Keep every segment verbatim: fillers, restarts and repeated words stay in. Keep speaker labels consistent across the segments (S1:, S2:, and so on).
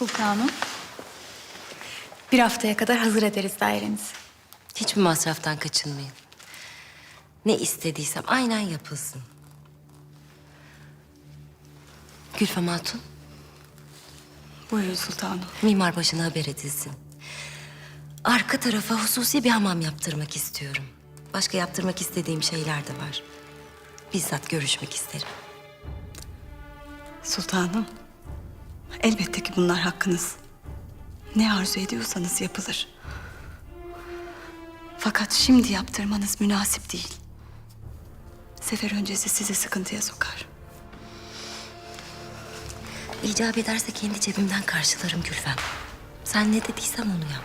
S1: Sultanım. Bir haftaya kadar hazır ederiz dairenizi.
S2: Hiçbir masraftan kaçınmayın. Ne istediysem aynen yapılsın. Gülfem Hatun,
S1: Buyurun sultanım.
S2: mimar başına haber edilsin. Arka tarafa hususi bir hamam yaptırmak istiyorum. Başka yaptırmak istediğim şeyler de var. Bizzat görüşmek isterim.
S3: Sultanım, elbette ki bunlar hakkınız. Ne arzu ediyorsanız yapılır. Fakat şimdi yaptırmanız münasip değil. Sefer öncesi sizi sıkıntıya sokar.
S2: İcap ederse kendi cebimden karşılarım Gülfem. Sen ne dediysem onu yap.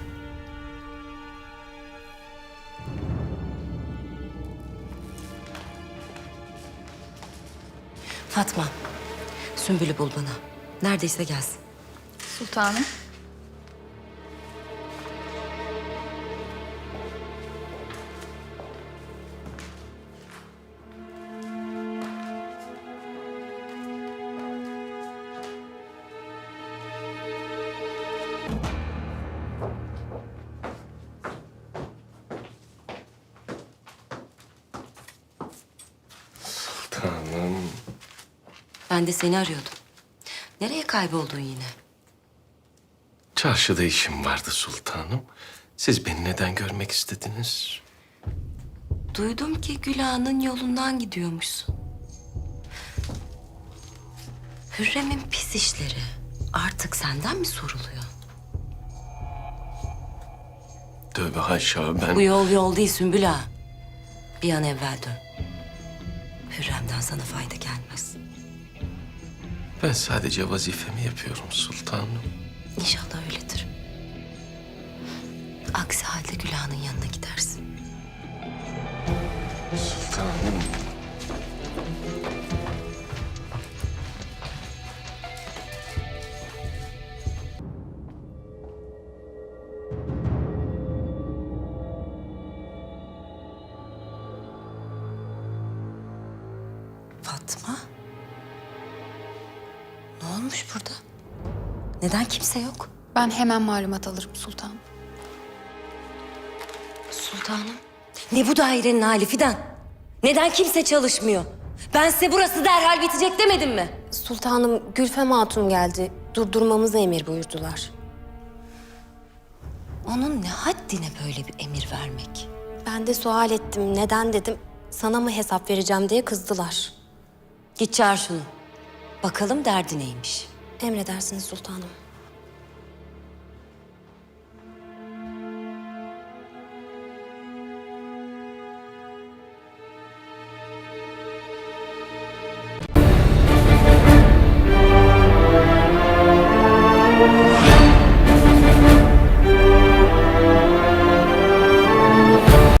S2: Fatma, Sümbül'ü bul bana. Neredeyse gelsin.
S1: Sultanım.
S4: Sultanım.
S2: Ben de seni arıyordum. Nereye kayboldun yine?
S4: Çarşıda işim vardı sultanım. Siz beni neden görmek istediniz?
S2: Duydum ki Gül Ağa'nın yolundan gidiyormuşsun. Hürrem'in pis işleri artık senden mi soruluyor?
S4: Tövbe haşa ben...
S2: Bu yol yol değil Sümbül Ağa. Bir an evvel dön. Hürrem'den sana fayda gelmez.
S4: Ben sadece vazifemi yapıyorum sultanım.
S2: İnşallah öyledir. Aksi halde Gül Ağa'nın yanına gidersin.
S4: Sultanım.
S2: Fatma? Ne olmuş burada? Neden kimse yok?
S1: Ben hemen malumat alırım sultanım.
S2: Sultanım. Ne bu dairenin hali Fidan? Neden kimse çalışmıyor? Ben size burası derhal bitecek demedim mi?
S5: Sultanım, Gülfem Hatun geldi. Durdurmamızı emir buyurdular.
S2: Onun ne haddine böyle bir emir vermek?
S5: Ben de sual ettim. Neden dedim. Sana mı hesap vereceğim diye kızdılar.
S2: Git çağır şunu. Bakalım derdi neymiş.
S5: Emredersiniz sultanım.